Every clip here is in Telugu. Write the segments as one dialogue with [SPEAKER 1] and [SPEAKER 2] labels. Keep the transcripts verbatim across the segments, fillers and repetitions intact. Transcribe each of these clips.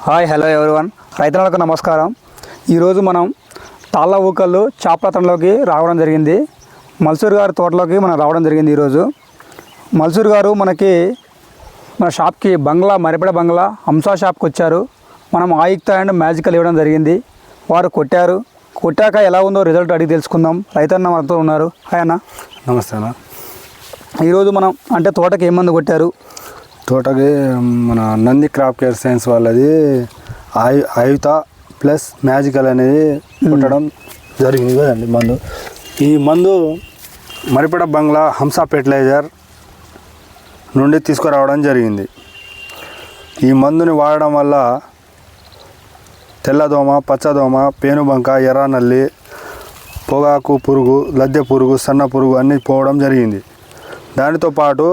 [SPEAKER 1] హాయ్ హలో ఎవరివన్, రైతులకు నమస్కారం. ఈరోజు మనం తాళ్ళ ఊకళ్ళు చాపలతంలోకి రావడం జరిగింది. మల్సూర్ గారి తోటలోకి మనం రావడం జరిగింది. ఈరోజు మల్సూర్ గారు మనకి మన షాప్కి బంగ్లా మరిపడ బంగ్లా హంసా షాప్కి వచ్చారు. మనం ఆయుక్త అండ్ మ్యాజికల్ ఇవ్వడం జరిగింది. వారు కొట్టారు. కొట్టాక ఎలా ఉందో రిజల్ట్ అడిగి తెలుసుకుందాం. రైతన్న మనతో ఉన్నారు. హాయ్ అన్న.
[SPEAKER 2] నమస్తే అన్న.
[SPEAKER 1] ఈరోజు మనం అంటే తోటకి ఏం మందు కొట్టారు?
[SPEAKER 2] తోటకి మన నంది క్రాప్ కేర్ సైన్స్ వాళ్ళది ఆయు ఆయుత ప్లస్ మ్యాజికల్ అనేది కొట్టడం జరిగింది కదండి మందు. ఈ మందు మరిపడ బంగ్లా హంసా ఫెర్టిలైజర్ నుండి తీసుకురావడం జరిగింది. ఈ మందుని వాడడం వల్ల తెల్లదోమ, పచ్చదోమ, పేనుబంక, ఎర్రనల్లి, పొగాకు పురుగు, లద్దె పురుగు, సన్న పురుగు అన్నీ పోవడం జరిగింది. దానితో పాటు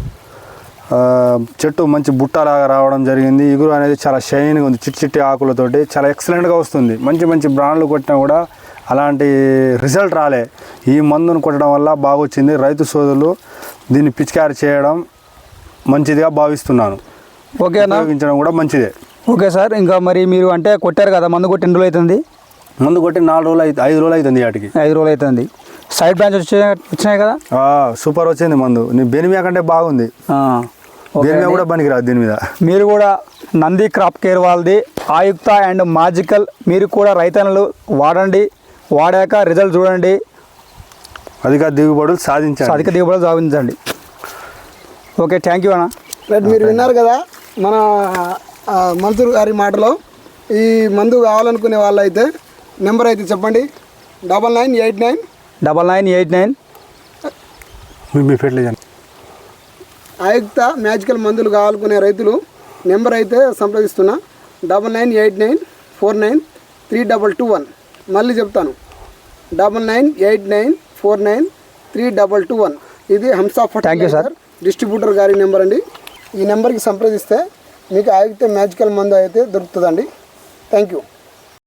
[SPEAKER 2] చెట్టు మంచి బుట్టలాగా రావడం జరిగింది. ఇగురు అనేది చాలా షైన్గా ఉంది. చిట్టి చిట్టి ఆకులతోటి చాలా ఎక్సలెంట్గా వస్తుంది. మంచి మంచి బ్రాండ్లు కొట్టినా కూడా అలాంటి రిజల్ట్ రాలే. ఈ మందును కొట్టడం వల్ల బాగా వచ్చింది. రైతు సోదరులు దీన్ని పిచికారి చేయడం మంచిదిగా భావిస్తున్నాను.
[SPEAKER 1] ఓకేనా,
[SPEAKER 2] ఉపయోగించడం కూడా మంచిదే.
[SPEAKER 1] Okay sir. ఇంకా మరి మీరు అంటే కొట్టారు కదా, మందు కొట్టి ఎన్ని రోజులు అవుతుంది?
[SPEAKER 2] మందు కొట్టి నాలుగు రోజులు అయితే ఐదు రోజులు అవుతుంది. వాటికి
[SPEAKER 1] ఐదు రోజులు అవుతుంది. సైడ్ బ్రాంచ్ వచ్చే వచ్చినాయి కదా,
[SPEAKER 2] సూపర్ వచ్చింది మందు. నీ బెనిమియా కంటే బాగుంది. బెనిమియా కూడా పనికిరాదు దీని మీద. మీరు
[SPEAKER 1] కూడా నంది క్రాప్ కేర్ వాళ్ళది ఆయుక్త అండ్ మ్యాజికల్ మీరు కూడా రైతన్నలు వాడండి. వాడాక రిజల్ట్ చూడండి.
[SPEAKER 2] అధిక దిగుబడులు సాధించండి.
[SPEAKER 1] అధిక దిగుబడులు సాధించండి. ఓకే, థ్యాంక్ యూ అన్న.
[SPEAKER 3] రైట్, మీరు విన్నారు కదా మన మన్సూర్ గారి మాటలో. ఈ మందు కావాలనుకునే వాళ్ళు అయితే నెంబర్ అయితే చెప్పండి. Double nine eight nine
[SPEAKER 1] double nine eight nine
[SPEAKER 2] మీ ఫెర్టిలైజర్
[SPEAKER 3] ఆయుక్త మ్యాజికల్ మందులు కావాలనుకునే రైతులు నెంబర్ అయితే సంప్రదిస్తున్నా. Double nine eight nine four nine three double two one. మళ్ళీ చెప్తాను, double nine eight nine four nine three double two one. ఇది హంసా ఫర్టిలైజర్ డిస్ట్రిబ్యూటర్ గారి నెంబర్ అండి. ఈ నెంబర్కి సంప్రదిస్తే మీకు ఆయుక్త మ్యాజికల్ మందు అయితే దొరుకుతుందండి. Thank you.